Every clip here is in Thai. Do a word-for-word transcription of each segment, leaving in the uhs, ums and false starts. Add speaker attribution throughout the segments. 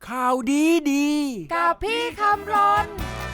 Speaker 1: ข่าวดีดี
Speaker 2: กับพี่คำรน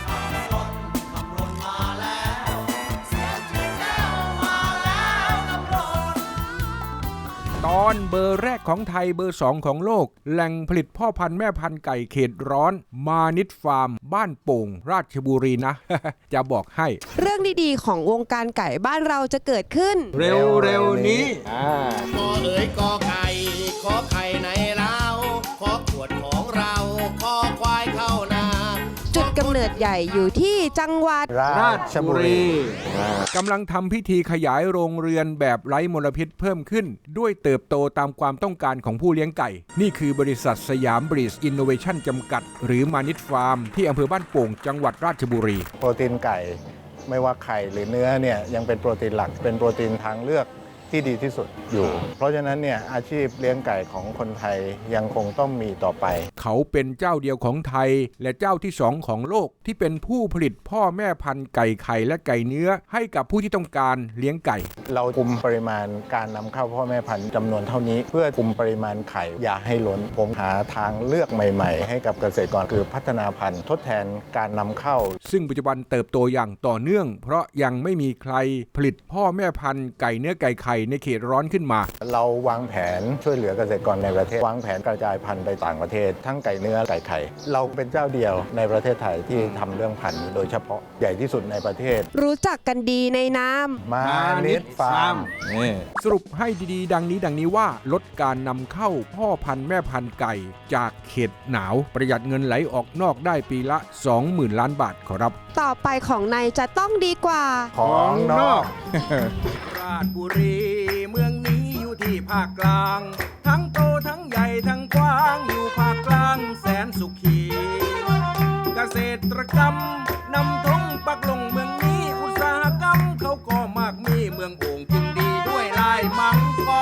Speaker 1: ตอนเบอร์แรกของไทยเบอร์สองของโลกแหล่งผลิตพ่อพันธุ์แม่พันธุ์ไก่เขตร้อนมานิดฟาร์มบ้านโป่งราชบุรีนะ จะบอกให้
Speaker 2: เรื่องดีๆของวงการไก่บ้านเราจะเกิดขึ้น
Speaker 1: เร็วๆนี้
Speaker 3: กอเอ๋ยกอไก่ขอไข่ในเล้าขอขวดของเราขอควายเข้านา
Speaker 2: จุดกำเนิดใหญ่อยู่ที่จังหวัด
Speaker 1: ราชบุรีกำลังทำพิธีขยายโรงเรือนแบบไร้มลพิษเพิ่มขึ้นด้วยเติบโตตามความต้องการของผู้เลี้ยงไก่นี่คือบริษัทสยามบรีดอินโนเวชั่นจำกัดหรือมานิดฟาร์มที่อำเภอบ้านโป่งจังหวัดราชบุรี
Speaker 4: โปรตีนไก่ไม่ว่าไข่หรือเนื้อเนี่ยยังเป็นโปรตีนหลักเป็นโปรตีนทางเลือกที่ดีที่สุดอยู่เพราะฉะนั้นเนี่ยอาชีพเลี้ยงไก่ของคนไทยยังคงต้องมีต่อไป
Speaker 1: เขาเป็นเจ้าเดียวของไทยและเจ้าที่สองของโลกที่เป็นผู้ผลิตพ่อแม่พันธุ์ไก่ไข่และไก่เนื้อให้กับผู้ที่ต้องการเลี้ยงไก่
Speaker 4: เราคุมปริมาณการนำเข้าพ่อแม่พันธุ์จำนวนเท่านี้เพื่อคุมปริมาณไข่อย่าให้ล้นผมหาทางเลือกใหม่ๆให้กับเกษตรกรคือพัฒนาพันธุ์ทดแทนการนำเข้า
Speaker 1: ซึ่งปัจจุบันเติบโตอย่างต่อเนื่องเพราะยังไม่มีใครผลิตพ่อแม่พันธุ์ไก่เนื้อไก่ไข่ในเขตร้อนขึ้นมา
Speaker 4: เราวางแผนช่วยเหลือเกษตรกรในประเทศวางแผนกระจายพันธุ์ไปต่างประเทศทั้งไก่เนื้อไก่ไข่เราเป็นเจ้าเดียวในประเทศไทยที่ทำเรื่องพันธุ์โดยเฉพาะใหญ่ที่สุดในประเทศ
Speaker 2: รู้จักกันดีในนาม
Speaker 4: มานิดฟาร์ม
Speaker 1: สรุปให้ดีๆดังนี้ดังนี้ว่าลดการนำเข้าพ่อพันธุ์แม่พันธุ์ไก่จากเขตหนาวประหยัดเงินไหลออกนอกได้ปีละ สองหมื่น ล้านบาทขอรับ
Speaker 2: ต่อไปของในจะต้องดีกว่า
Speaker 4: ของนอก
Speaker 1: ราชบุรีเมืองนี้อยู่ที่ภาคกลางทั้งโตทั้งใหญ่ทั้งกว้างอยู่ภาคกลางแสนสุขีเกษตรกรรมนำธงปักลงเมืองนี้อุตสาหกรรมเขาก็มากมีเมืองโอ่งจึงดีด้วยลายมังกร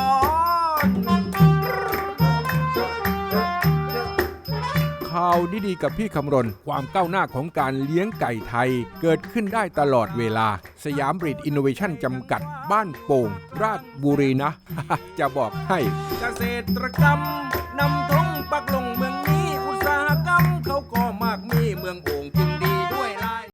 Speaker 1: ข่าวดีๆกับพี่คำรณความก้าวหน้าของการเลี้ยงไก่ไทยเกิดขึ้นได้ตลอดเวลาสยามบรีดอินโนเวชั่นจำกัดบ้านโป่งราชบุรีนะ จะบอกให้เกษตรกรรมนำธงปักลงเมือง